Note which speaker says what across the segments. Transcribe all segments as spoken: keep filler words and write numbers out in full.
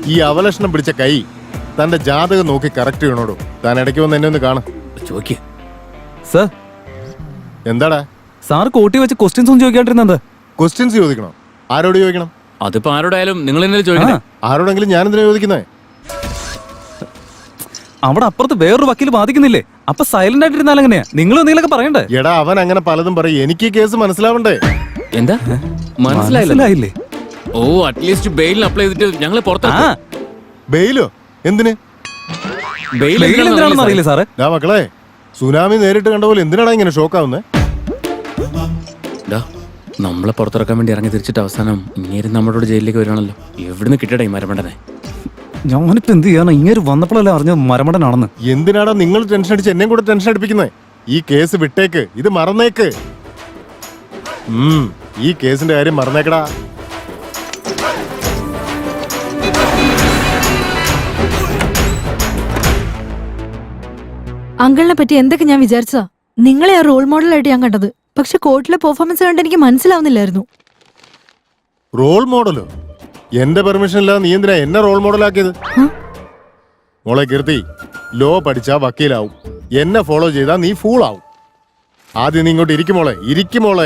Speaker 1: ഈ അവലക്ഷണം പിടിച്ച കൈ തന്റെ ജാതകം നോക്കി കറക്റ്റ് ചെയ്യണോടോ. താൻ ഇടയ്ക്ക് വന്ന് എന്നെ ഒന്ന് കാണും.
Speaker 2: ചോദിക്ക
Speaker 3: സർ.
Speaker 1: എന്താടാ
Speaker 3: സാർ കോട്ടി വെച്ച് ക്വസ്റ്റ്യൻസ് ഒന്നും ചോദിക്കാണ്ടിരുന്നത്?
Speaker 1: ക്വസ്റ്റ്യൻസ് ചോദിക്കണോ? ആരോട് ചോദിക്കണം?
Speaker 2: അതിപ്പോ ആരോടായാലും നിങ്ങൾ എന്നെ ചോദിക്കണം.
Speaker 1: ആരോടെങ്കിലും ഞാൻ എന്തിനാ ചോദിക്കുന്നേ?
Speaker 3: അവിടെ അപ്പുറത്ത് വേറൊരു വക്കീൽ ബാധിക്കുന്നില്ലേ? അപ്പൊ സൈലന്റ് ആയിട്ടിരുന്നാൽ എങ്ങനെയാ? നിങ്ങൾ എന്തെങ്കിലുമൊക്കെ പറയണ്ടേ?
Speaker 1: എടാ അവൻ അങ്ങനെ പലതും പറയും. എനിക്ക് ഈ കേസ് മനസ്സിലാവണ്ടേ?
Speaker 2: എന്താ
Speaker 3: മനസ്സിലായില്ലേ?
Speaker 2: ഓ അറ്റ്ലീസ്റ്റ് ബെയിലിന് അപ്ലൈ ചെയ്തിട്ട് ഞങ്ങളെ പുറത്താ.
Speaker 1: ബെയിലോ? എന്തിന്?
Speaker 2: ബെയിൽ
Speaker 3: എന്തിനാണെന്ന് അറിയില്ലേ സാറേ?
Speaker 1: ഡാ മക്കളെ, സുനാമി നേരിട്ട് കണ്ട പോലെ എന്തിനാടാ ഇങ്ങനെ ഷോക്കാവുന്നേ?
Speaker 2: നമ്മളെ പുറത്തിറക്കാൻ വേണ്ടി ഇറങ്ങി തിരിച്ചിട്ട് അവസാനം ഇങ്ങനെ നമ്മളോട് ജയിലിലേക്ക് വരികയാണല്ലോ. എവിടുന്ന് കിട്ടടേ മരമണ്ടനെ?
Speaker 3: ഞാനിപ്പോ എന്ത് ചെയ്യാനാ? ഇങ്ങനെ വന്നപ്പോഴല്ലേ അറിഞ്ഞത് മരമണ്ടനാണെന്ന്.
Speaker 1: എന്തിനാടാ നിങ്ങൾ ടെൻഷൻ അടിച്ച് എന്നെയും കൂടെ ടെൻഷൻ അടിപ്പിക്കുന്നേ? ഈ കേസ് വിട്ടേക്ക്, ഇത് മറന്നേക്ക്. ഉം ഈ കേസിന്റെ കാര്യം മറന്നേക്കടാ.
Speaker 4: അങ്കിളിനെ പറ്റി എന്തൊക്കെ ഞാൻ വിചാരിച്ചതാ. നിങ്ങളെ ആ റോൾ മോഡലായിട്ട് ഞാൻ കണ്ടത്. പക്ഷെ കോർട്ടിലെ പെർഫോമൻസ് കണ്ട് എനിക്ക് മനസ്സിലാവുന്നില്ലായിരുന്നു.
Speaker 1: റോൾ മോഡലോ? എന്റെ പെർമിഷൻ ഇല്ലാതെ നീ എന്തിനാ എന്നെ റോൾ മോഡലാക്കിയത്? മോളെ കീർത്തി, ലോ പഠിച്ചാ വക്കീലാവും. എന്നെ ഫോളോ ചെയ്താ നീ ഫൂൾ ആവും. ആദ്യം നീ ഇങ്ങോട്ട് ഇരിക്കുമോളെ, ഇരിക്കുമോളെ.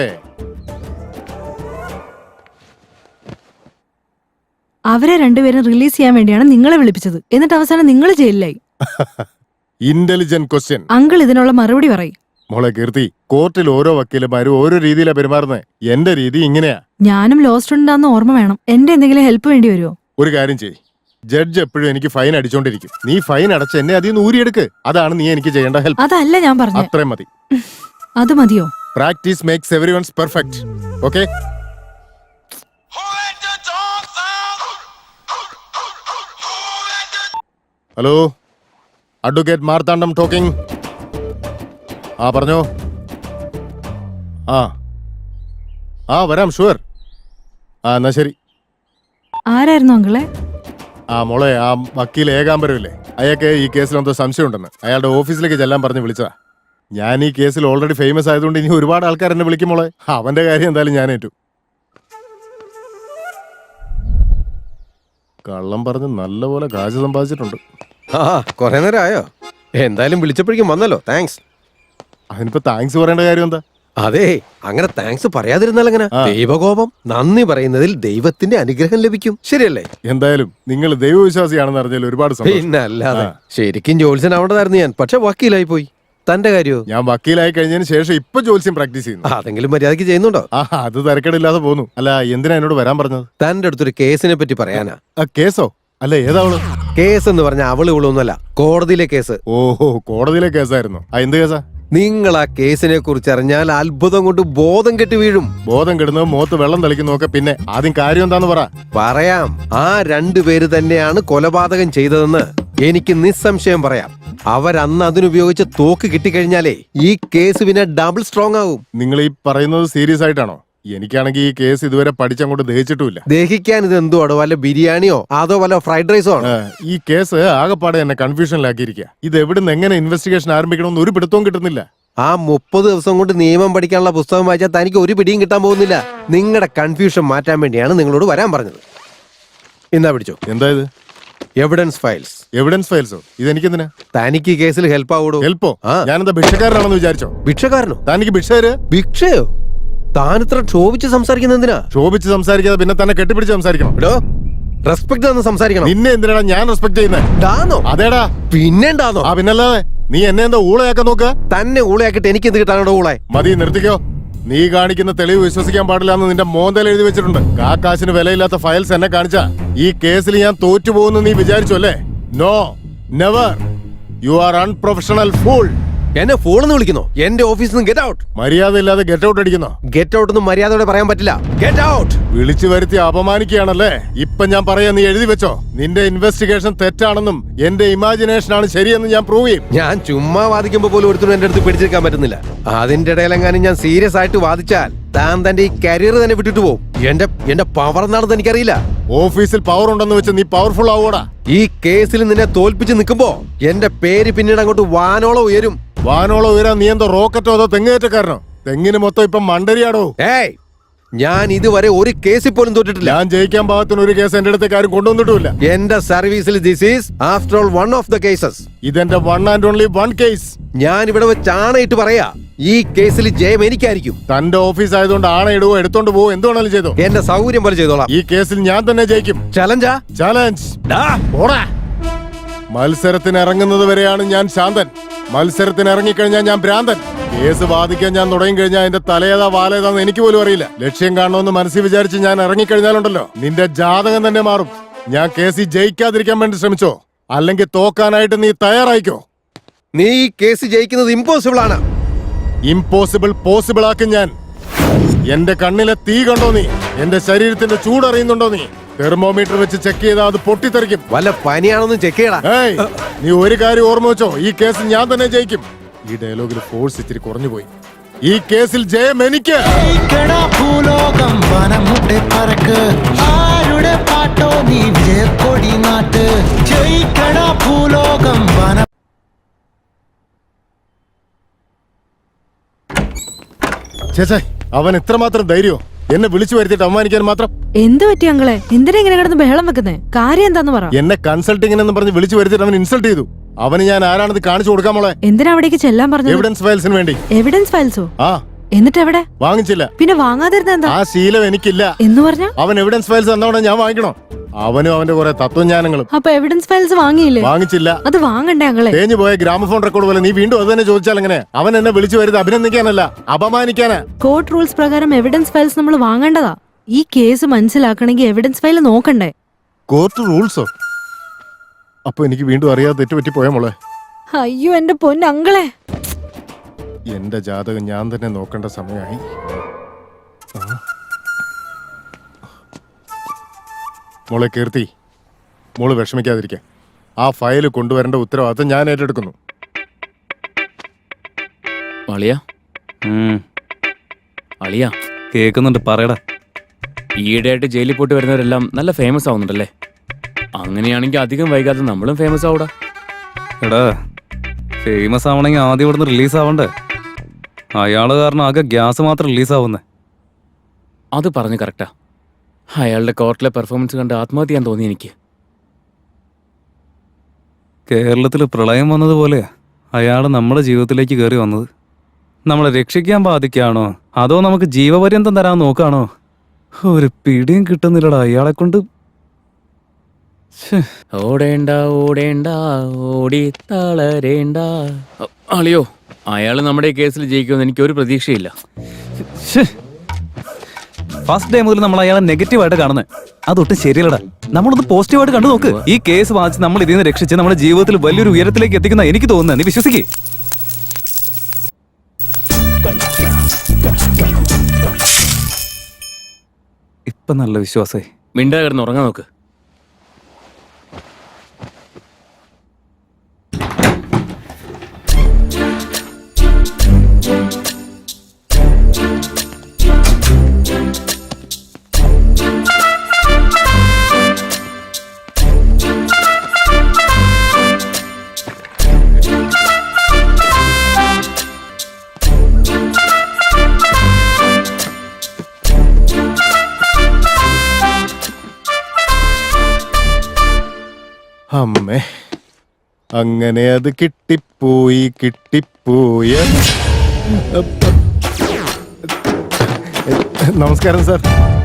Speaker 4: അവരെ രണ്ടുപേരും റിലീസ് ചെയ്യാൻ വേണ്ടിയാണ് നിങ്ങളെ വിളിപ്പിച്ചത്. എന്നിട്ട് അവസാനം നിങ്ങൾ ജയിലിലായി.
Speaker 1: Intelligent question.
Speaker 4: അങ്കിൾ ഇതിനുള്ള മറുപടി പറയും.
Speaker 1: മോളെ കീർത്തി, കോർട്ടിൽ ഓരോ വക്കീലന്മാരും ഓരോ രീതിയിലാ പെരുമാറുന്നത്. എന്റെ രീതി ഇങ്ങനെയാ.
Speaker 4: ഞാനും ലോ സ്റ്റുഡന്റ് ആണെന്ന് ഓർമ്മ വേണം. എന്റെ എന്തെങ്കിലും ഹെൽപ്പ് വേണ്ടി വരുമോ?
Speaker 1: ഒരു കാര്യം ചെയ്യ്, ജഡ്ജ് എപ്പോഴും എനിക്ക് ഫൈൻ അടിച്ചോണ്ടിരിക്കും. നീ ഫൈൻ അടച്ച് എന്നെ അതിൽ നിന്ന് ഊരിയെടുക്ക്. അതാണ് നീ എനിക്ക് ചെയ്യേണ്ട ഹെൽപ്പ്.
Speaker 4: അതല്ല ഞാൻ പറഞ്ഞു.
Speaker 1: അത്രയും മതി.
Speaker 4: അത് മതിയോ?
Speaker 1: Practice makes everyone's perfect. Okay? Hello, advocate Marthandam talking. ആ പറഞ്ഞോ. ആ ആ വരാം, ഷുവർ. ആ എന്നാ ശരി.
Speaker 4: ആരായിരുന്നു അങ്കിളെ?
Speaker 1: ആ മോളെ, ആ വക്കീൽ ഏകാംബരമില്ലേ, അയാൾക്ക് ഈ കേസിൽ എന്തോ സംശയം ഉണ്ടെന്ന് അയാളുടെ ഓഫീസിലേക്ക് ചെല്ലാൻ പറഞ്ഞ് വിളിച്ചതാ. ഞാൻ ഈ കേസിൽ ഓൾറെഡി ഫേമസ് ആയതുകൊണ്ട് ഇനി ഒരുപാട് ആൾക്കാർ എന്നെ വിളിക്കും മോളെ. അവന്റെ കാര്യം എന്തായാലും ഞാൻ ഏറ്റു. കള്ളം പറഞ്ഞ് നല്ലപോലെ കാശ് സമ്പാദിച്ചിട്ടുണ്ട്.
Speaker 5: ആ കൊറേ നേരം ആയോ? എന്തായാലും വിളിച്ചപ്പോഴേക്കും വന്നല്ലോ, താങ്ക്സ്.
Speaker 1: അതിനിപ്പോ താങ്ക്സ് പറയേണ്ട കാര്യം എന്താ?
Speaker 5: അതെ, അങ്ങനെ താങ്ക്സ് പറയാതിരുന്നാൽ എങ്ങനെ? ദൈവകോപം. നന്ദി പറയുന്നതിൽ ദൈവത്തിന്റെ അനുഗ്രഹം ലഭിക്കും, ശരിയല്ലേ?
Speaker 1: എന്തായാലും നിങ്ങൾ ദൈവവിശ്വാസിയാണെന്ന് അറിഞ്ഞാൽ ഒരുപാട് സന്തോഷം.
Speaker 5: പിന്നെ അല്ലാതെ. ശരിക്കും ജോത്സ്യനാവേണ്ടതായിരുന്നു ഞാൻ, പക്ഷെ വക്കീലായി പോയി. തന്റെ കാര്യോ?
Speaker 1: ഞാൻ വക്കീലായി കഴിഞ്ഞതിന് ശേഷം ഇപ്പൊ ജോത്സ്യം പ്രാക്ടീസ് ചെയ്യുന്നു.
Speaker 5: അതെങ്കിലും മര്യാദക്ക് ചെയ്യുന്നുണ്ടോ?
Speaker 1: ആ അത് തിരക്കേടില്ലാതെ പോന്നു. അല്ല, എന്തിനാ എന്നോട് വരാൻ പറഞ്ഞത്?
Speaker 5: തന്റെ അടുത്തൊരു കേസിനെ പറ്റി പറയാനാ.
Speaker 1: ആ കേസോ? അല്ല, ഏതാവള്?
Speaker 5: കേസ് എന്ന് പറഞ്ഞ അവള് ഇവളൊന്നുമല്ല, കോടതിയിലെ കേസ്.
Speaker 1: ഓഹോ, കോടതിയിലെ കേസായിരുന്നു. ആ എന്ത് കേസാ?
Speaker 5: നിങ്ങൾ ആ കേസിനെ കുറിച്ച് അറിഞ്ഞാൽ അത്ഭുതം കൊണ്ട് ബോധം കെട്ടി വീഴും.
Speaker 1: ബോധം കെടുന്നത് മുഖത്ത് വെള്ളം തളിക്കുന്നതൊക്കെ പിന്നെ. ആദ്യം കാര്യം എന്താന്ന് പറ.
Speaker 5: പറയാം. ആ രണ്ടുപേര് തന്നെയാണ് കൊലപാതകം ചെയ്തതെന്ന് എനിക്ക് നിസ്സംശയം പറയാം. അവരന്ന് അതിനുപയോഗിച്ച് തോക്ക് കിട്ടിക്കഴിഞ്ഞാലേ ഈ കേസ് പിന്നെ ഡബിൾ സ്ട്രോങ് ആവും.
Speaker 1: നിങ്ങൾ ഈ പറയുന്നത് സീരിയസ് ആയിട്ടാണോ? എനിക്കാണെങ്കിൽ ഈ കേസ് ഇതുവരെ പഠിച്ചങ്ങോട്ട് ദഹിച്ചിട്ടുമില്ല.
Speaker 5: ദഹിക്കാൻ ഇത് എന്തുവാടോ? വല്ല ബിരിയാണിയോ അതോ വല്ല ഫ്രൈഡ് റൈസോ ആണോ?
Speaker 1: ഈ കേസ് ആകെപ്പാടെ എന്നെ കൺഫ്യൂഷനിലാക്കിയിരിക്കുക. ഇത് എവിടുന്ന് എങ്ങനെ ഇൻവെസ്റ്റിഗേഷൻ ആരംഭിക്കണമെന്ന് ഒരു പിടുത്തവും കിട്ടുന്നില്ല.
Speaker 5: ആ മുപ്പത് ദിവസം കൊണ്ട് നിയമം പഠിക്കാനുള്ള പുസ്തകം വായിച്ചാൽ തനിക്ക് ഒരു പിടിയും കിട്ടാൻ പോകുന്നില്ല. നിങ്ങളുടെ കൺഫ്യൂഷൻ മാറ്റാൻ വേണ്ടിയാണ് നിങ്ങളോട് വരാൻ പറഞ്ഞത്. എന്നാ പിടിച്ചോ.
Speaker 1: എന്താ ഇത്?
Speaker 5: Evidence files.
Speaker 1: എവിഡൻസ് ഫയൽസോ? ഇതെനിക്കെന്തിനാ?
Speaker 5: തനിക്ക് ഈ കേസിൽ ഹെൽപ്പ് ആവൂടോ?
Speaker 1: ഹെൽപ്പോ? ഞാനെന്താ ഭിക്ഷക്കാരനാണെന്ന് വിചാരിച്ചോ?
Speaker 5: ഭിക്ഷക്കാരനോ?
Speaker 1: തനിക്ക് ഭിക്ഷ തരുക?
Speaker 5: ഭിക്ഷയോ? താനിത്ര ക്ഷോഭിച്ച് സംസാരിക്കുന്ന എന്തിനാ?
Speaker 1: ക്ഷോഭിച്ച് സംസാരിക്കാതെ പിന്നെ തന്നെ കെട്ടിപ്പിടിച്ച് സംസാരിക്കണം.
Speaker 5: റെസ്പെക്ട് തന്ന് സംസാരിക്കണം.
Speaker 1: നിന്നെ എന്തിനാ ഞാൻ റെസ്പെക്ട് ചെയ്യുന്നത്? അതേടാ.
Speaker 5: പിന്നെന്താന്നോ?
Speaker 1: ആ പിന്നല്ലാതെ. നീ എന്നെ എന്താ ഊളയാക്കാൻ നോക്കുക?
Speaker 5: തന്നെ ഊളയാക്കിട്ട് എനിക്ക് എന്ത് കിട്ടാനോ ഊളെ?
Speaker 1: മതി, നിർത്തിക്കോ. നീ കാണിക്കുന്ന തെളിവ് വിശ്വസിക്കാൻ പാടില്ല എന്ന് നിന്റെ മോന്തൽ എഴുതി വെച്ചിട്ടുണ്ട്. കാക്കാശിന് വിലയില്ലാത്ത ഫയൽസ് എന്നെ കാണിച്ച ഈ കേസിൽ ഞാൻ തോറ്റുപോകുന്നു നീ വിചാരിച്ചു അല്ലേ? No, never. You are unprofessional fool.
Speaker 5: എന്നെ ഫോണെന്ന് വിളിക്കുന്നോ? എന്റെ ഓഫീസിൽ നിന്ന് ഗെറ്റ് ഔട്ട്.
Speaker 1: മര്യാദ ഇല്ലാതെ ഗെറ്റ് ഔട്ട് അടിക്കുന്നോ?
Speaker 5: ഗെറ്റ് ഔട്ട് ഒന്നും മര്യാദയോടെ പറയാൻ പറ്റില്ല. Get out.
Speaker 1: വിളിച്ചു വരുത്തി അപമാനിക്കുകയാണല്ലേ? ഇപ്പൊ ഞാൻ പറയാ, നീ എഴുതി വെച്ചോ. നിന്റെ ഇൻവെസ്റ്റിഗേഷൻ തെറ്റാണെന്നും എന്റെ ഇമാജിനേഷൻ ആണ് ശരിയെന്നും ഞാൻ പ്രൂവ് ചെയ്യും.
Speaker 5: ഞാൻ ചുമ്മാ വാദിക്കുമ്പോ പോലും ഒരുത്തരും എന്റെ അടുത്ത് പിടിച്ചെടുക്കാൻ പറ്റുന്നില്ല. അതിന്റെ ഇടയിലെങ്ങാനും ഞാൻ സീരിയസ് ആയിട്ട് വാദിച്ചാൽ താൻ തന്റെ ഈ കരിയർ തന്നെ വിട്ടിട്ട് പോകും. എന്റെ എന്റെ പവർ എന്താണെന്ന് എനിക്കറിയില്ല.
Speaker 1: ഓഫീസിൽ പവർ ഉണ്ടെന്ന് വെച്ച് നീ പവർഫുൾ ആവൂടാ.
Speaker 5: ഈ കേസിൽ നിന്നെ തോൽപ്പിച്ച് നിൽക്കുമ്പോ എന്റെ പേര് പിന്നീട് അങ്ങോട്ട് വാനോളം ഉയരും.
Speaker 1: വാനോളം ഉയരാൻ നീ എന്തോ റോക്കറ്റോ അതോ തെങ്ങേറ്റക്കാരനോ? തെങ്ങിന് മൊത്തം ഇപ്പം മണ്ടരിയാടോ.
Speaker 5: ഏയ്, ഞാൻ ഇതുവരെ ഒരു കേസിൽ പോലും തോറ്റിട്ടില്ല.
Speaker 1: ഞാൻ ജയിക്കാൻ പാകത്തിന് ഒരു കേസ് എന്റെ അടുത്തേക്ക് ആരും കൊണ്ടുവന്നിട്ടുമില്ല.
Speaker 5: എന്റെ സർവീസിൽ this is after all one of the cases.
Speaker 1: ഇതെന്റെ one and only one case.
Speaker 5: ഞാൻ ഇവിടെ വെച്ച് ആണയിട്ട് പറയാ, ഈ കേസിൽ ജയം എനിക്കായിരിക്കും.
Speaker 1: തന്റെ ഓഫീസ് ആയതുകൊണ്ട് ആണയിടുവോ എടുത്തോണ്ട് പോവോ എന്ത് വേണേലും ചെയ്തോ.
Speaker 5: എന്റെ സൗകര്യം പോലെ ചെയ്തോളാം.
Speaker 1: ഈ കേസിൽ ഞാൻ തന്നെ ജയിക്കും.
Speaker 5: ചലഞ്ചാ?
Speaker 1: ചലഞ്ച്. മത്സരത്തിന് ഇറങ്ങുന്നത് വരെയാണ് ഞാൻ ശാന്തൻ. മത്സരത്തിന് ഇറങ്ങിക്കഴിഞ്ഞാൽ ഞാൻ ഭ്രാന്തൻ. കേസ് വാദിക്കാൻ ഞാൻ തുടങ്ങി കഴിഞ്ഞാൽ എന്റെ തലയേതാ വാലേതാന്ന് എനിക്ക് പോലും അറിയില്ല. ലക്ഷ്യം കാണണമെന്ന് മനസ്സിൽ വിചാരിച്ച് ഞാൻ ഇറങ്ങിക്കഴിഞ്ഞാലുണ്ടല്ലോ, നിന്റെ ജാതകം തന്നെ മാറും. ഞാൻ കേസിൽ ജയിക്കാതിരിക്കാൻ വേണ്ടി ശ്രമിച്ചോ, അല്ലെങ്കിൽ തോക്കാനായിട്ട് നീ തയ്യാറായിക്കോ.
Speaker 5: നീ ഈ കേസ് ജയിക്കുന്നത് ഇമ്പോസിബിൾ ആണ്.
Speaker 1: ഇമ്പോസിബിൾ പോസിബിൾ ആക്കും ഞാൻ. എന്റെ കണ്ണിലെ തീ കണ്ടോ നീ? എന്റെ ശരീരത്തിന്റെ ചൂടറിയുന്നുണ്ടോ നീ? തെർമോമീറ്റർ വെച്ച് ചെക്ക് ചെയ്താൽ അത് പൊട്ടിത്തെറിക്കും.
Speaker 5: വല്ല പനിയാണെന്ന് ചെക്ക് ചെയ്യടാ.
Speaker 1: ഏയ്, നീ ഒരു കാര്യം ഓർമ്മ വെച്ചോ, ഈ കേസ് ഞാൻ തന്നെ ജയിക്കും. ഈ ഡയലോഗിൽ ഫോഴ്സ് ഇത്തിരി കുറഞ്ഞു പോയി. ഈ കേസിൽ ജയം എനിക്ക്.
Speaker 6: ഭൂലോകം വനമുട്ടെ പറക്ക് ആരുടെ പാട്ടോ നീ വിജയക്കൊടി നാട്ട് ജയിക്കട ഭൂലോകം വന.
Speaker 1: ചേച്ചേ, അവൻ എത്രമാത്രം ധൈര്യോ എന്നെ വിളിച്ചു വരുത്തിയിട്ട് അവമാനിക്കാൻ മാത്രം.
Speaker 4: എന്ത് പറ്റി അങ്ങളെ? എന്തിനാ ഇങ്ങനെ കിടന്ന് ബഹളം വെക്കുന്നേ? കാര്യം എന്താന്ന് പറ.
Speaker 1: എന്നെ കൺസൾട്ടിംഗ് പറഞ്ഞ് വിളിച്ചു വരുത്തിയിട്ട് അവൻ ഇൻസൾട്ട് ചെയ്തു. അവന് ഞാൻ ആരാണെന്ന് കാണിച്ചു കൊടുക്കാൻ മോളെ.
Speaker 4: എന്തിനാ അവിടേക്ക് ചെല്ലാൻ പറഞ്ഞു?
Speaker 1: എവിഡൻസ് ഫയൽസിന് വേണ്ടി.
Speaker 4: എവിഡൻസ് ഫയൽസോ?
Speaker 1: ആ.
Speaker 4: എന്നിട്ട് എവിടെ?
Speaker 1: വാങ്ങിച്ചില്ല.
Speaker 4: പിന്നെ വാങ്ങാതിരുന്ന എന്താ?
Speaker 1: ആ ശീലം എനിക്കില്ല.
Speaker 4: എന്ന് പറഞ്ഞ
Speaker 1: അവൻ എവിഡൻസ് ഫയൽസ് തന്നോടെ ഞാൻ വാങ്ങിക്കണോ? അവനും അവന്റെ കുറെ തത്വജ്ഞാനങ്ങളും.
Speaker 4: അപ്പൊ എവിഡൻസ് ഫയൽസ് വാങ്ങിയില്ലേ?
Speaker 1: വാങ്ങിച്ചില്ല.
Speaker 4: അത് വാങ്ങണ്ടേ അങ്ങളെ?
Speaker 1: തേഞ്ഞു പോയ ഗ്രാമഫോൺ റെക്കോർഡ് പോലെ നീ വീണ്ടും അത് തന്നെ ചോദിച്ചാൽ എങ്ങനെ? അവൻ എന്നെ വിളിച്ചു വരുന്നത് അഭിനന്ദിക്കാനല്ല, അപമാനിക്കാനാ.
Speaker 4: കോർട്ട് റൂൾസ് പ്രകാരം എവിഡൻസ് ഫയൽസ് നമ്മൾ വാങ്ങേണ്ടതാ. ഈ കേസ് മനസ്സിലാക്കണമെങ്കിൽ എവിഡൻസ് ഫയൽ നോക്കണ്ടേ?
Speaker 1: കോർട്ട് റൂൾസോ? അപ്പൊ എനിക്ക് വീണ്ടും അറിയാതെ തെറ്റുപറ്റി പോയ മോളെ.
Speaker 4: അയ്യോ എന്റെ പൊന്നങ്ങളെ,
Speaker 1: എന്റെ ജാതകം ഞാൻ തന്നെ നോക്കേണ്ട സമയമായി. മോളെ കീർത്തി, മോള് വിഷമിക്കാതിരിക്കാൻ. ആ ഫയൽ കൊണ്ടുവരേണ്ട ഉത്തരവാദിത്തം ഞാൻ ഏറ്റെടുക്കുന്നു.
Speaker 2: അളിയ അളിയ
Speaker 3: കേൾക്കുന്നുണ്ട്, പറയടാ.
Speaker 2: ഈയിടെയായിട്ട് ജയിലിൽ പോയിട്ട് വരുന്നവരെല്ലാം നല്ല ഫേമസ് ആവുന്നുണ്ടല്ലേ? അങ്ങനെയാണെങ്കിൽ അധികം വൈകാതെ നമ്മളും ഫേമസ് ആവൂടാ.
Speaker 3: എടാ, ഫേമസ് ആവണമെങ്കിൽ ആദ്യം ഇവിടുന്ന് റിലീസ് ആവണ്ടേ? അയാള് കാരണം ആകെ ഗ്യാസ് മാത്രം റിലീസ് ആവുന്നേ.
Speaker 2: അത് പറഞ്ഞു കറക്റ്റാ. അയാളുടെ കോർട്ടിലെ പെർഫോമൻസ് കണ്ട് ആത്മഹത്യ ചെയ്യാൻ തോന്നി എനിക്ക്.
Speaker 3: കേരളത്തിൽ പ്രളയം വന്നതുപോലെ അയാൾ നമ്മുടെ ജീവിതത്തിലേക്ക് കയറി വന്നത്. നമ്മളെ രക്ഷിക്കാൻ ബാധിക്കാണോ അതോ നമുക്ക് ജീവപര്യന്തം തരാൻ നോക്കാണോ? ഒരു പിടിയും കിട്ടുന്നില്ലടാ അയാളെ കൊണ്ട്.
Speaker 2: ഓടേണ്ട ഓടേണ്ട ഓടി തളരേണ്ട. അ- അളിയോ, അയാൾ നമ്മുടെ ഈ കേസിൽ ജയിക്കുമെന്ന് എനിക്ക് ഒരു പ്രതീക്ഷയില്ല.
Speaker 3: ഫസ്റ്റ് ഡേ മുതൽ നമ്മൾ അയാളെ നെഗറ്റീവായിട്ട് കാണുന്നത് അതൊട്ടും ശരിയല്ലടാ. നമ്മളൊന്ന് പോസിറ്റീവായിട്ട് കണ്ടു നോക്ക്. ഈ കേസ് വാങ്ങിച്ച് നമ്മൾ ഇതിൽ നിന്ന് രക്ഷിച്ച് നമ്മുടെ ജീവിതത്തിൽ വലിയൊരു ഉയരത്തിലേക്ക് എത്തിക്കുന്ന എനിക്ക് തോന്നുന്നത്. നീ വിശ്വസിക്കേ? ഇപ്പൊ നല്ല വിശ്വാസേ.
Speaker 2: മിണ്ടാ കിടന്ന് ഉറങ്ങാൻ നോക്ക്.
Speaker 1: അമ്മേ, അങ്ങനെ അത് കിട്ടിപ്പോയി കിട്ടിപ്പോയ. നമസ്കാരം സാർ.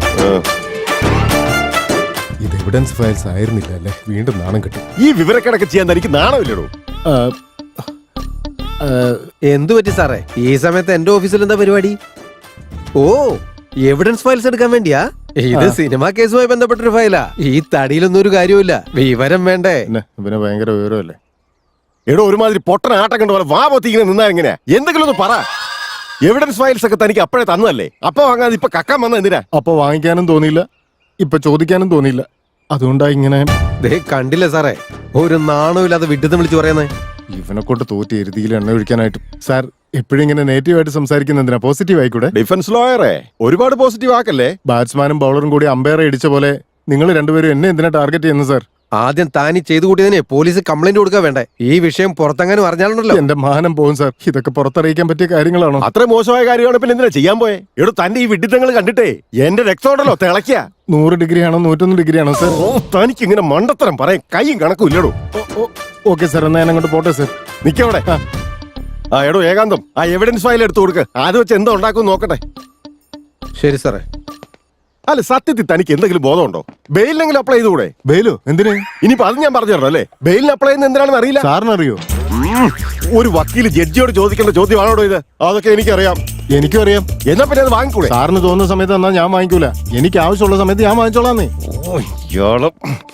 Speaker 1: ഇത് എവിഡൻസ് ഫയൽസ് ആയിരുന്നില്ല അല്ലേ? വീണ്ടും നാണം കിട്ടും.
Speaker 7: ഈ വിവരക്കണക്ക് ചെയ്യാൻ തനിക്ക് നാണമില്ലടോ.
Speaker 1: ആ, ആ,
Speaker 5: എന്തു പറ്റി സാറേ? ഈ സമയത്ത് എന്റെ ഓഫീസിൽ എന്താ പരിപാടി? ഓ, എവിഡൻസ് ഫയൽസ് എടുക്കാൻ വേണ്ടിയാ? ഇത് സിനിമാ കേസുമായി ബന്ധപ്പെട്ടൊരു ഫയലാ. ഈ തടിയിലൊന്നും ഒരു കാര്യമില്ല. വിവരം വേണ്ടേ?
Speaker 1: പിന്നെ ഇവന് ഭയങ്കര വിവരമല്ലേ?
Speaker 7: എടോ, ഒരുമാതിരി പൊട്ടന ആട്ടം കണ്ട പോലെ വാ പൊത്തി ഇങ്ങനെ നിന്നാ എങ്ങനെയാ? എന്തെങ്കിലും ഒന്ന് പറ. എവിഡൻസ് ഫയൽസ് ഒക്കെ തനിക്ക് അപ്പോഴേ തന്നതല്ലേ? അപ്പൊ വാങ്ങാതെ ഇപ്പൊ കക്കാൻ വന്ന എന്തിനാ?
Speaker 1: അപ്പൊ വാങ്ങിക്കാനും തോന്നിയില്ല, ഇപ്പൊ ചോദിക്കാനും തോന്നിയില്ല. അതുകൊണ്ടാ ഇങ്ങനെ.
Speaker 5: ദേ കണ്ടില്ലേ സാറേ, ഒരു നാണമില്ലാതെ വിഡ്ഢിത്തം വിളിച്ചു പറയുന്നേ.
Speaker 1: ഇവനെ കൊണ്ട് തോറ്റി എരുതിയിൽ എണ്ണ ഒഴിക്കാനായിട്ട്. സാർ എപ്പോഴും ഇങ്ങനെ നെഗറ്റീവ് ആയിട്ട് സംസാരിക്കുന്ന എന്തിനാ? പോസിറ്റീവ് ആയിക്കൂടെ?
Speaker 7: ഡിഫൻസ് ലോയറെ ഒരുപാട് പോസിറ്റീവ് ആക്കല്ലേ.
Speaker 1: ബാറ്റ്സ്മാനും ബൗളറും കൂടി അമ്പയറെ ഇടിച്ച പോലെ നിങ്ങൾ രണ്ടുപേരും എന്നെ എന്തിനാ ടാർഗറ്റ് ചെയ്യുന്നത് സാർ?
Speaker 5: ആദ്യം താനി ചെയ്തു കൂട്ടിയതിനെ പോലീസ് കംപ്ലൈന്റ് കൊടുക്കാൻ വേണ്ടേ? ഈ വിഷയം പുറത്തെങ്ങാനും അറിഞ്ഞാലുണ്ടല്ലോ.
Speaker 1: എന്റെ മാനം പോകും സാർ. ഇതൊക്കെ പുറത്തറിയിക്കാൻ പറ്റിയ കാര്യങ്ങളാണോ?
Speaker 7: അത്ര മോശമായ കാര്യമാണ് പിന്നെ എന്തിനാ ചെയ്യാൻ പോയെ? എടോ തന്റെ ഈ വിഡിത്തങ്ങൾ കണ്ടിട്ടേ എന്റെ രക്തമുണ്ടല്ലോ തിളക്കിയ.
Speaker 1: നൂറ് ഡിഗ്രി ആണോ നൂറ്റൊന്ന് ഡിഗ്രി ആണോ സാർ?
Speaker 7: ഓ തനിക്ക് ഇങ്ങനെ മണ്ടത്തരം പറയാൻ കൈയും കണക്കും ഇല്ലടോ.
Speaker 1: ഓക്കെ സാർ, എന്നാ ഞാൻ അങ്ങോട്ട് പോട്ടെ സാർ.
Speaker 7: നിക്കവിടെ. ആ എടോ ഏകാന്തം, ആ എവിഡൻസ് ഫയൽ എടുത്തു കൊടുക്ക്. അത് വെച്ച് എന്താ ഉണ്ടാക്കും നോക്കട്ടെ.
Speaker 5: ശരി സാറേ.
Speaker 7: അല്ല സത്യത്തിൽ തനിക്ക് എന്തെങ്കിലും ബോധമുണ്ടോ? ബെയിലിനെങ്കിലും അപ്ലൈ ചെയ്തുകൂടെ?
Speaker 1: ബെയിലോ? എന്തിന്?
Speaker 7: ഇനിയിപ്പോ അത് ഞാൻ പറഞ്ഞു തരണം അല്ലേ? ബെയിലിന് അപ്ലൈ ചെയ്യുന്ന എന്തിനാണെന്ന് അറിയില്ല.
Speaker 1: സാറിനറിയോ?
Speaker 7: ഉം. ഒരു വക്കീല് ജഡ്ജിയോട് ചോദിക്കേണ്ട ചോദ്യമാണോ ഇത്? അതൊക്കെ എനിക്കറിയാം.
Speaker 1: എനിക്കും അറിയാം.
Speaker 7: എന്നാ പിന്നെ അത് വാങ്ങിക്കൂടെ?
Speaker 1: സാറിന് തോന്നുന്ന സമയത്ത് എന്നാ ഞാൻ വാങ്ങിക്കൂല. എനിക്ക് ആവശ്യമുള്ള സമയത്ത് ഞാൻ വാങ്ങിച്ചോളാന്നേ.
Speaker 7: ഓ, ഇയാള്.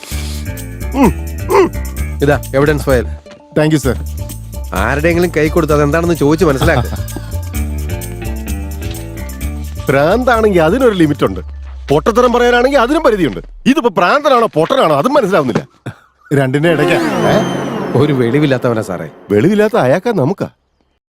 Speaker 5: ഇതാ evidence file.
Speaker 1: Thank you sir.
Speaker 5: ആരുടെയെങ്കിലും കൈ കൊടുത്ത് അതെന്താണെന്ന് ചോദിച്ച് മനസ്സിലാക്കുക.
Speaker 7: ഭ്രാന്താണെങ്കിൽ അതിനൊരു ലിമിറ്റ് ഉണ്ട്. പൊട്ടത്തരം പറയാനാണെങ്കിൽ അതിനും പരിധിയുണ്ട്. ഇതിപ്പോ ഭ്രാന്തനാണോ പൊട്ടനാണോ അതും മനസ്സിലാവുന്നില്ല.
Speaker 1: രണ്ടിന്റെ ഇടയ്ക്കാ.
Speaker 5: ഒരു വെളിവില്ലാത്തവനാ സാറേ.
Speaker 7: വെളിവില്ലാത്ത അയാൾക്കാ നമുക്കാ.